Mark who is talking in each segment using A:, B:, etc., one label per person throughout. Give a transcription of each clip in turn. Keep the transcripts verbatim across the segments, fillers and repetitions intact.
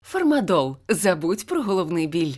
A: Фармадол. Забудь про головний біль.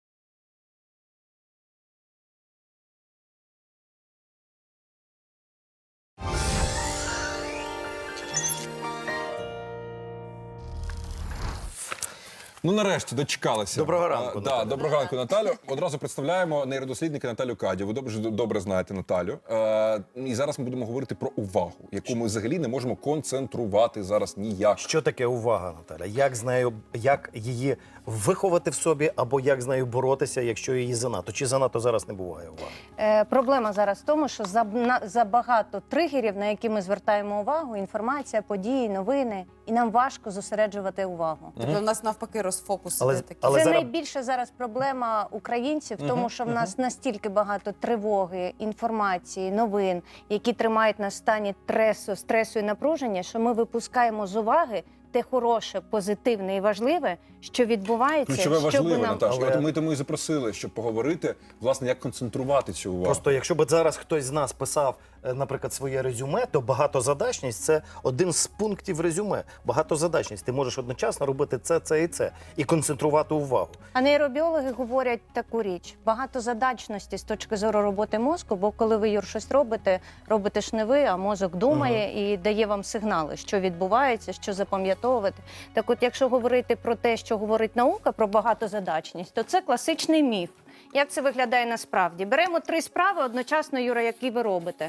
B: Ну, нарешті, дочекалися.
C: Доброго ранку,
B: А,
C: Наталю.
B: да, доброго ранку, Наталю. Одразу представляємо нейродослідника Наталю Кадю. Ви добре, добре знаєте Наталю. Е, і зараз ми будемо говорити про увагу, яку ми взагалі не можемо концентрувати зараз ніяк.
C: Що таке увага, Наталя? Як з нею, як її виховати в собі, або як з нею боротися, якщо її занадто? Чи занадто зараз не буває уваги?
D: Е, проблема зараз в тому, що за, на, забагато тригерів, на які ми звертаємо увагу, інформація, події, новини, і нам важко зосереджувати увагу.
E: Тобто в нас навпаки розфокус
C: Але-
E: іде такий.
C: але
D: Це
C: зараз-
D: найбільша зараз проблема українців, в тому, що в нас настільки багато тривоги, інформації, новин, які тримають нас в стані тресу, стресу і напруження, що ми випускаємо з уваги те хороше, позитивне і важливе, що відбувається,
B: Ключове
D: щоб
B: важливе,
D: нам...
B: Наташа.
C: Але-
B: От ми тому і запросили, щоб поговорити, власне, як концентрувати цю увагу.
C: Просто якщо б зараз хтось з нас писав, е, наприклад, своє резюме, то багатозадачність – це один з пунктів резюме. Багатозадачність. Ти можеш одночасно робити це, це і це. І концентрувати увагу.
D: А нейробіологи говорять таку річ: багатозадачності з точки зору роботи мозку, бо коли ви, Юр, щось робите, робите ж не ви, а мозок думає і дає вам сигнали, що відбувається, що запам'ятовувати. Так от, якщо говорити про те, що говорить наука про багатозадачність, то це класичний міф. Як це виглядає насправді? Беремо три справи одночасно, Юра, які ви робите.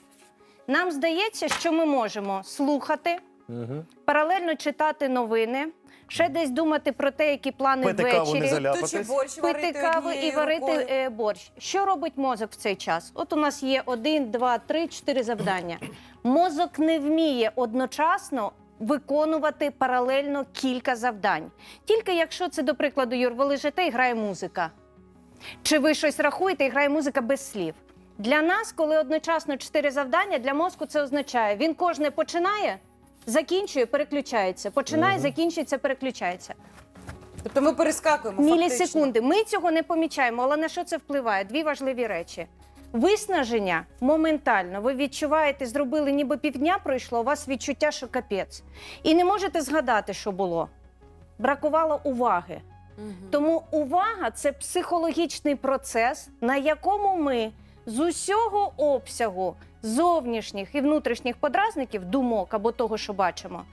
D: Нам здається, що ми можемо слухати, паралельно читати новини, ще десь думати про те, які плани
C: Пити каву, не
D: ввечері.
C: заляпатись.
E: То чи борщ
D: Пити
E: варити
D: каву і
E: однією
D: варити
E: рукою?
D: е, борщ. Що робить мозок в цей час? От у нас є один, два, три, чотири завдання. Мозок не вміє одночасно виконувати паралельно кілька завдань. Тільки якщо це, до прикладу, Юр, ви лежите і грає музика. Чи ви щось рахуєте і грає музика без слів. Для нас, коли одночасно чотири завдання, для мозку це означає, він кожне починає, закінчує, переключається. Починає, закінчується, переключається.
E: Тобто ми перескакуємо фактично.
D: Мілісекунди. Ми цього не помічаємо, але на що це впливає? Дві важливі речі. Виснаження моментально. Ви відчуваєте, зробили, ніби півдня пройшло, у вас відчуття, що капець. І не можете згадати, що було. Бракувало уваги. Тому увага – це психологічний процес, на якому ми з усього обсягу зовнішніх і внутрішніх подразників, думок або того, що бачимо,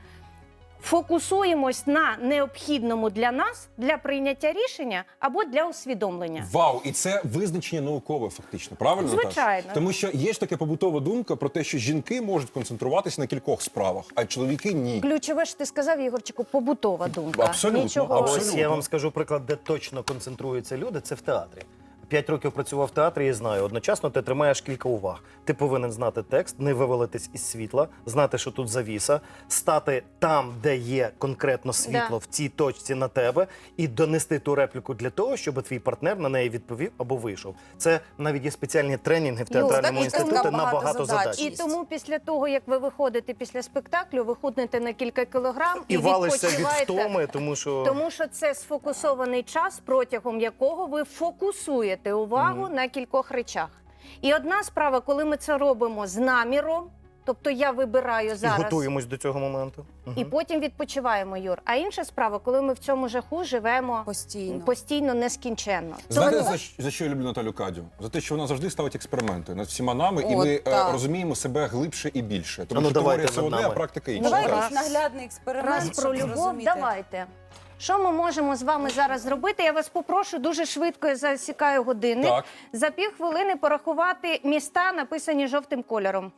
D: фокусуємось на необхідному для нас, для прийняття рішення або для усвідомлення.
B: Вау, і це визначення наукове, фактично, правильно, Наташа?
D: Звичайно.
B: Тому що є ж така побутова думка про те, що жінки можуть концентруватися на кількох справах, а чоловіки ні.
D: Ключове, що ти сказав, Ігорчику, побутова думка.
B: Абсолютно,
D: Нічого.
C: А ось
B: Абсолютно.
C: я вам скажу приклад, де точно концентруються люди, це в театрі. П'ять років працював в театрі і знаю, одночасно ти тримаєш кілька уваг. Ти повинен знати текст, не вивалитись із світла, знати, що тут завіса, стати там, де є конкретно світло,
D: Да.
C: в цій точці на тебе, і донести ту репліку для того, щоб твій партнер на неї відповів або вийшов. Це навіть є спеціальні тренінги в театральному
E: так і
C: інституті
E: така
C: на
E: багатозадачність.
D: І
C: багатозадачність.
D: тому після того, як ви виходите після спектаклю, ви худнете на кілька кілограм і,
C: І валишся від
D: відпочиваєте.
C: втоми, тому що...
D: Тому що це сфокусований час, протягом якого ви фокусуєте увагу на кількох речах. І одна справа, коли ми це робимо з наміром, тобто я вибираю
C: І
D: зараз,
C: готуємось до цього моменту.
D: і потім відпочиваємо, Юр. А інша справа, коли ми в цьому жаху живемо
E: Постійно.
D: постійно нескінченно.
B: Знаєте,
D: Тому-
B: за, щ- за що я люблю Наталю Кадю? За те, що вона завжди ставить експерименти над всіма нами, і
E: От,
B: ми е,
E: так.
B: розуміємо себе глибше і більше. Тому
C: А ну,
B: що
C: давайте
B: теорія це
C: над
B: одне, а
C: нами.
B: практика інша.
E: Давай
B: Так.
E: якийсь наглядний експеримент,
D: Раз про
E: щоб
D: любов,
E: зрозуміти.
D: давайте. Що ми можемо з вами зараз зробити? Я вас попрошу дуже швидко, я засікаю годинник,
B: Так.
D: за півхвилини порахувати міста, написані жовтим кольором.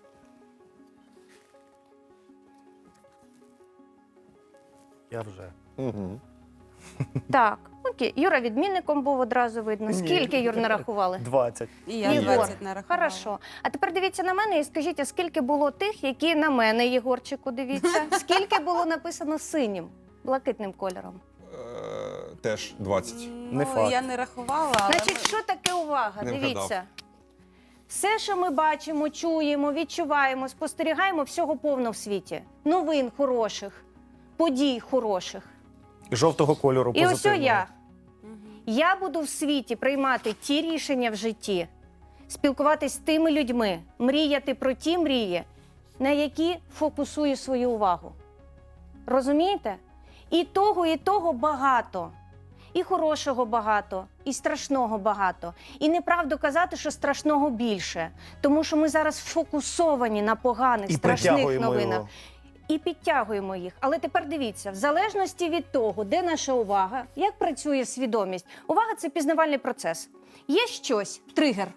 C: Я вже.
B: Мгм.
D: Так, окей. Юра відмінником був, одразу видно. Скільки, Юр, нарахували?
C: двадцять.
E: І я
D: Єгор.
E: двадцять нарахувала.
D: Хорошо. А тепер дивіться на мене і скажіть, а скільки було тих, які на мене, Єгорчику, дивіться? Скільки було написано синім, блакитним кольором?
B: Е, теж двадцять.
C: Не
E: Ну,
C: факт.
E: я не рахувала, але
D: Значить,
E: ми-
D: що таке увага?
B: Не
D: Дивіться.
B: вгадав.
D: Все, що ми бачимо, чуємо, відчуваємо, спостерігаємо, всього повно в світі. Новин хороших, подій хороших.
C: Жовтого кольору
D: І ось
C: позитивного.
D: я. Я буду в світі приймати ті рішення в житті, спілкуватись з тими людьми, мріяти про ті мрії, на які фокусую свою увагу. Розумієте? І того, і того багато. І хорошого багато, і страшного багато. І неправду казати, що страшного більше. Тому що ми зараз фокусовані на поганих,
C: І
D: страшних
C: притягуємо
D: новинах.
C: його.
D: І підтягуємо їх. Але тепер дивіться, в залежності від того, де наша увага, як працює свідомість. Увага – це пізнавальний процес. Є щось, тригер.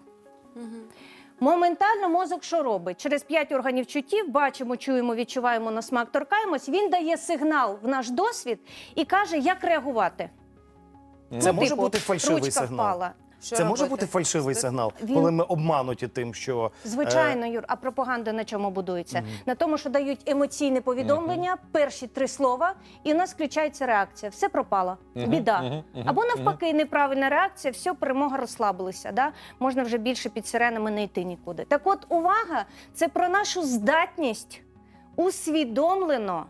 D: Моментально мозок що робить? Через п'ять органів чуттів бачимо, чуємо, відчуваємо на смак, торкаємось. Він дає сигнал в наш досвід і каже, як реагувати.
C: Це
D: Ну,
C: може
D: типу,
C: бути фальшивий
D: ручка
C: сигнал.
D: впала.
E: Що
C: Це може
E: робити?
C: бути фальшивий сигнал,
D: Він-
C: коли ми обмануті тим, що
D: Звичайно, Юр, а пропаганда на чому будується? На тому, що дають емоційне повідомлення, перші три слова, і у нас включається реакція. Все пропало, біда. Або навпаки, неправильна реакція, все, перемога, розслабилися. Да? Можна вже більше під сиренами не йти нікуди. Так от, увага – це про нашу здатність усвідомлено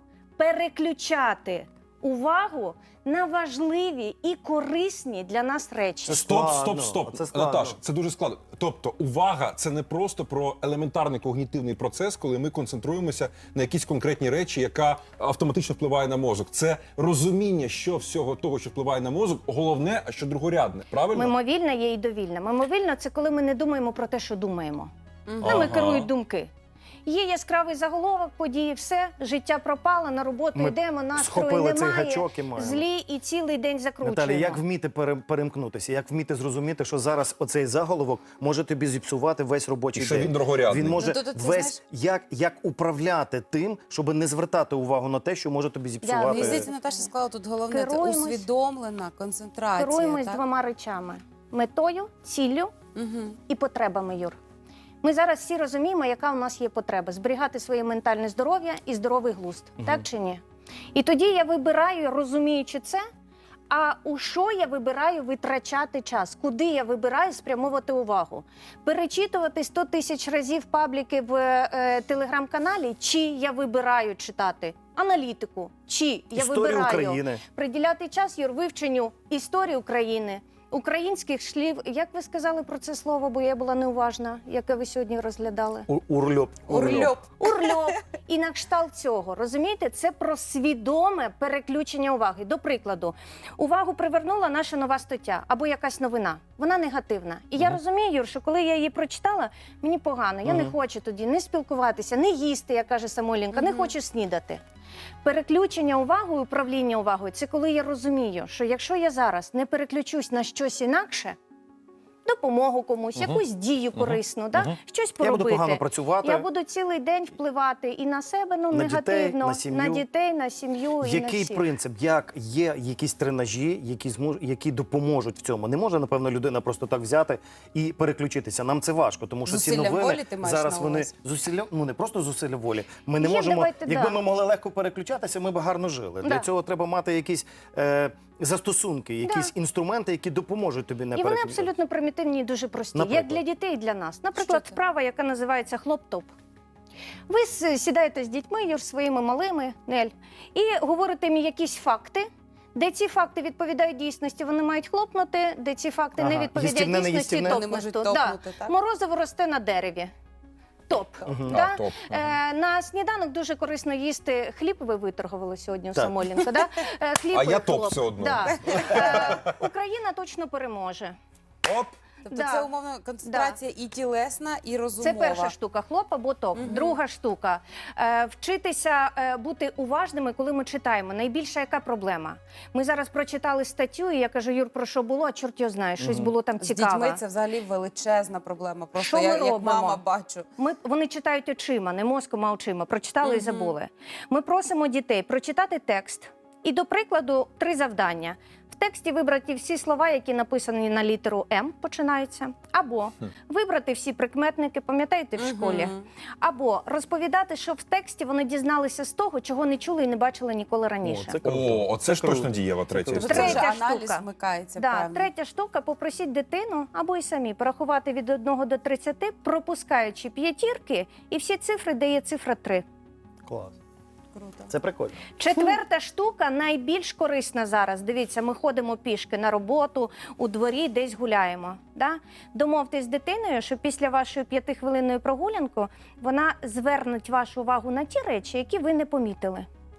D: переключати увагу на важливі і корисні для нас речі.
C: Це
B: Стоп, стоп,
C: складно,
B: стоп.
C: це складно.
B: Наташ, це дуже складно. Тобто, увага це не просто про елементарний когнітивний процес, коли ми концентруємося на якісь конкретні речі, яка автоматично впливає на мозок. Це розуміння, що всього того, що впливає на мозок, головне, а що другорядне. Правильно?
D: Мимовільне є і довільне. Мимовільне – це коли ми не думаємо про те, що думаємо. Нами
B: Ага.
D: керують думки. Є яскравий заголовок, події, все, життя пропало, на роботу
C: Ми
D: йдемо, настрою
C: схопили цей
D: немає,
C: гачок і маємо.
D: злі і цілий день закручуємо.
C: Наталі, як вміти пере- перемкнутися, як вміти зрозуміти, що зараз оцей заголовок може тобі зіпсувати весь робочий
B: І що
C: день.
B: він дорогорядний.
C: Він може
E: Ну, то- то ти
C: весь, як, як управляти тим, щоб не звертати увагу на те, що може тобі зіпсувати.
E: Мені здається, Наташа сказала тут головне це
D: Керуємось-
E: усвідомлена концентрація.
D: Керуємось
E: так?
D: двома речами – метою, ціллю
E: Мгм.
D: і потребами, Юр. Ми зараз всі розуміємо, яка у нас є потреба – зберігати своє ментальне здоров'я і здоровий глузд. Так чи ні? І тоді я вибираю, розуміючи це, а у що я вибираю витрачати час? Куди я вибираю спрямовувати увагу? Перечитувати сто тисяч разів пабліки в е, телеграм-каналі? Чи я вибираю читати аналітику? Чи я
C: Історію
D: вибираю
C: України.
D: приділяти час, Юр, вивченню історії України, українських слів? Як ви сказали про це слово, бо я була неуважна, яке ви сьогодні розглядали?
C: У- Урльоп.
E: Урльоп.
D: Урльоп і на кшталт цього. Розумієте, це про свідоме переключення уваги. До прикладу, увагу привернула наша нова стаття або якась новина. Вона негативна. І я розумію, Юр, що коли я її прочитала, мені погано. Я не хочу тоді не спілкуватися, не їсти, як каже Самойленко, не хочу снідати. Переключення уваги, управління увагою – це коли я розумію, що якщо я зараз не переключусь на щось інакше, допомогу комусь, якусь дію корисну, да? щось
C: Я
D: поробити.
C: буду погано працювати.
D: Я буду цілий день впливати і на себе, ну,
C: На
D: негативно,
C: дітей, на сім'ю.
D: на дітей, на сім'ю і на
C: Який
D: всіх.
C: принцип, як є якісь тренажі, які змож, які допоможуть в цьому? Не може, напевно, людина просто так взяти і переключитися. Нам це важко, тому що ці
E: Зусилля
C: новини
E: волі ти маєш
C: зараз
E: на
C: вони
E: увазі?
C: зусилля, ну не просто зусилля волі. Ми не
D: Є,
C: можемо,
D: давайте,
C: якби
D: да.
C: ми могли легко переключатися, ми б гарно жили. Для
D: Да.
C: цього треба мати якісь е, застосунки, якісь інструменти, які допоможуть тобі не
D: І вони
C: переключатися.
D: абсолютно примітивні і дуже прості,
C: Наприклад?
D: як для дітей і для нас. Наприклад,
E: Що це?
D: вправа, яка називається хлоп-топ. Ви с- сідаєте з дітьми, Юр, своїми малими, Нель, і говорите їм якісь факти, де ці факти відповідають дійсності, вони мають хлопнути, де ці факти не
C: Ага.
D: відповідають
C: Їстівне, не
D: дійсності,
C: їстівне?
E: Вони можуть
D: топнуть.
E: топнути, так?
D: Морозиво росте на дереві. Топ. Да?
B: А, топ.
D: Е, на сніданок дуже корисно їсти хліб. Ви виторгували сьогодні у
C: Так.
D: Самойленко, да? Е, хліб
B: А
D: і
B: я топ
D: хлоп.
B: все одно.
D: Да. Е, Україна точно переможе.
B: Оп!
E: Тобто
D: Да.
E: це умовно концентрація і тілесна, і розумова.
D: Це перша штука, хлоп або топ. Друга штука е, вчитися е, бути уважними, коли ми читаємо. Найбільша яка проблема? Ми зараз прочитали статтю, і я кажу, Юр, про що було? А чорт його знає, щось було там
E: З
D: цікаве.
E: дітьми це взагалі величезна проблема. Просто
D: Що ми
E: я як
D: робимо?
E: мама бачу.
D: Ми, вони читають очима, не мозком, а очима. Прочитали і забули. Ми просимо дітей прочитати текст. І, до прикладу, три завдання. В тексті вибрати всі слова, які написані на літеру М, починаються. Або вибрати всі прикметники, пам'ятаєте, в школі. Або розповідати, що в тексті вони дізналися з того, чого не чули і не бачили ніколи раніше.
C: О, це круто.
B: О, оце ж
C: круто.
B: точно дієва третя
C: круто.
E: Тобто це вже
D: Третя
E: аналіз
D: штука.
E: вмикається,
D: Да,
E: певно.
D: третя штука – попросіть дитину або й самі порахувати від одного до тридцяти, пропускаючи п'ятірки, і всі цифри, де є цифра три.
C: Клас.
E: Круто.
C: Це прикольно.
D: Четверта штука найбільш корисна зараз. Дивіться, ми ходимо пішки на роботу, у дворі, десь гуляємо. Да? Домовтесь з дитиною, що після вашої п'ятихвилинної прогулянки вона зверне вашу увагу на ті речі, які ви не помітили.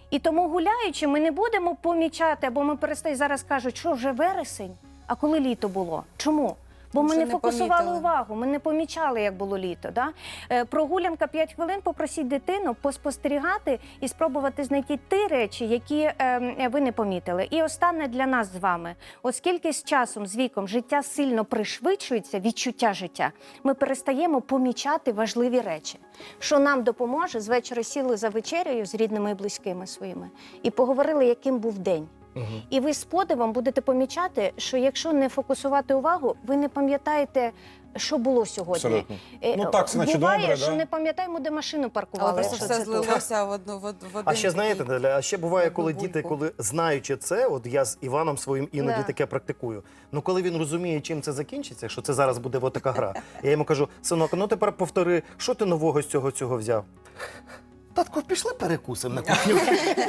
D: І тому гуляючи, ми не будемо помічати, або ми перестаємо, зараз кажуть, що вже вересень, а коли літо було? Чому? Бо ми
E: Вже
D: не
E: не
D: фокусували
E: помітили.
D: увагу, ми не помічали, як було літо. Да? Е, прогулянка п'ять хвилин, попросіть дитину поспостерігати і спробувати знайти ті речі, які е, ви не помітили. І останнє для нас з вами. Оскільки з часом, з віком життя сильно пришвидшується, відчуття життя, ми перестаємо помічати важливі речі, що нам допоможе. З вечора сіли за вечерею з рідними і близькими своїми і поговорили, яким був день. І ви з подивом будете помічати, що якщо не фокусувати увагу, ви не пам'ятаєте, що було сьогодні.
B: Абсолютно.
D: Е,
B: Ну, так, це наче
D: буває,
B: добре,
D: що
B: да?
D: не пам'ятаємо, де машину паркували.
E: Але просто
D: якщо
E: все
D: це тут.
E: злилося в одну в од- в один
C: А ще знаєте,
E: такий-
C: Наля, а ще буває,
E: одну
C: коли діти,
E: бульбу.
C: коли знаючи це, от я з Іваном своїм іноді
D: Да.
C: таке практикую. Ну коли він розуміє, чим це закінчиться, що це зараз буде от така гра, я йому кажу: синок, ну тепер повтори, що ти нового з цього цього взяв? Татко, пішли перекусимо на кухню.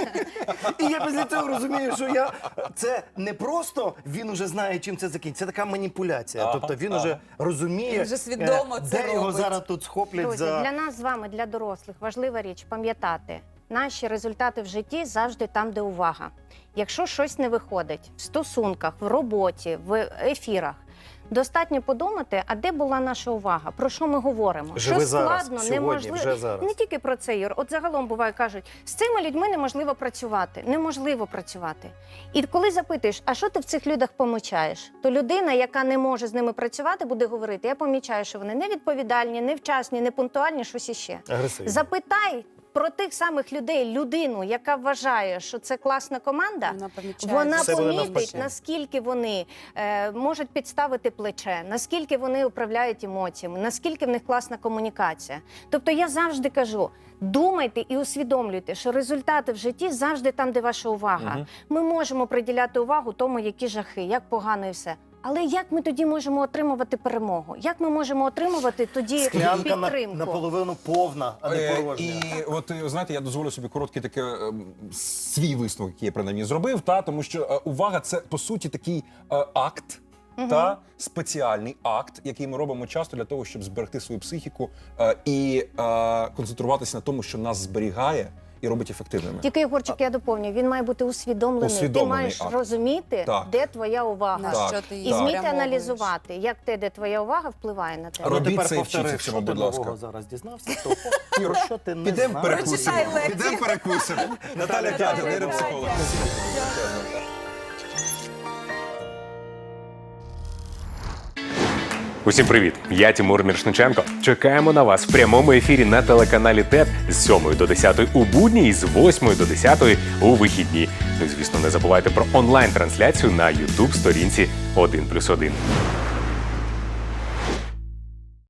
C: І я після цього розумію, що я це не просто він уже знає, чим це закінчиться. Це така маніпуляція.
B: Ага,
C: тобто він
B: ага.
C: уже розуміє,
E: Він вже свідомо
C: е,
E: це
C: де його
E: робить.
C: зараз тут схоплять
D: Друзі,
C: за.
D: для нас з вами, для дорослих, важлива річ пам'ятати, наші результати в житті завжди там, де увага. Якщо щось не виходить в стосунках, в роботі, в ефірах, достатньо подумати, а де була наша увага, про що ми говоримо.
C: Живи
D: що
C: зараз,
D: складно,
C: сьогодні,
D: неможливо.
C: вже зараз.
D: Не тільки про це, Юр. От загалом буває, кажуть, з цими людьми неможливо працювати. Неможливо працювати. І коли запитуєш, а що ти в цих людях помічаєш, то людина, яка не може з ними працювати, буде говорити, я помічаю, що вони невідповідальні, невчасні, непунктуальні, щось іще.
C: Агресивні.
D: Запитай про тих самих людей людину, яка вважає, що це класна команда,
E: Вона помічає.
D: вона
C: Все буде
D: помітить,
C: навпаки.
D: наскільки вони е, можуть підставити плече, наскільки вони управляють емоціями, наскільки в них класна комунікація. Тобто я завжди кажу, думайте і усвідомлюйте, що результати в житті завжди там, де ваша увага.
B: Мгм.
D: Ми можемо приділяти увагу тому, які жахи, як погано і все. Але як ми тоді можемо отримувати перемогу? Як ми можемо отримувати тоді
C: Склянка на,
D: підтримку?
C: наполовину повна, а не
B: Е,
C: порожня.
B: І от е, знаєте, я дозволю собі короткий такий е, свій висновок, який я принаймні зробив, та тому що е, увага це по суті такий е, акт. Та спеціальний акт, який ми робимо часто для того, щоб зберегти свою психіку е, і е, концентруватися на тому, що нас зберігає і робить ефективними.
D: Тільки, Єгорчик, я доповню, він має бути усвідомлений.
B: Усвідомлений
D: Ти маєш
B: акт.
D: розуміти,
B: Так.
D: де твоя увага.
E: На
B: Так.
E: що ти її
D: І вміти
E: спрямовуєш.
D: аналізувати, як те, де твоя увага, впливає на тебе.
C: Ну,
B: Робіть
C: тепер
B: це і
C: повтори,
B: вчіться цьому,
C: що ти
B: будь ласка.
C: нового зараз дізнався, то про що ти не
B: Підемо
C: знаєш.
B: перекусимо.
E: Прочитай лекцію.
B: Підемо перекусимо. Наталя Дядя, нейропсихолог.
F: Усім привіт! Я Тимур Міршниченко. Чекаємо на вас в прямому ефірі на телеканалі ТЕТ з сьомої до десятої у будні і з восьмої до десятої у вихідні. Ну і звісно, не забувайте про онлайн-трансляцію на ютуб сторінці один плюс один.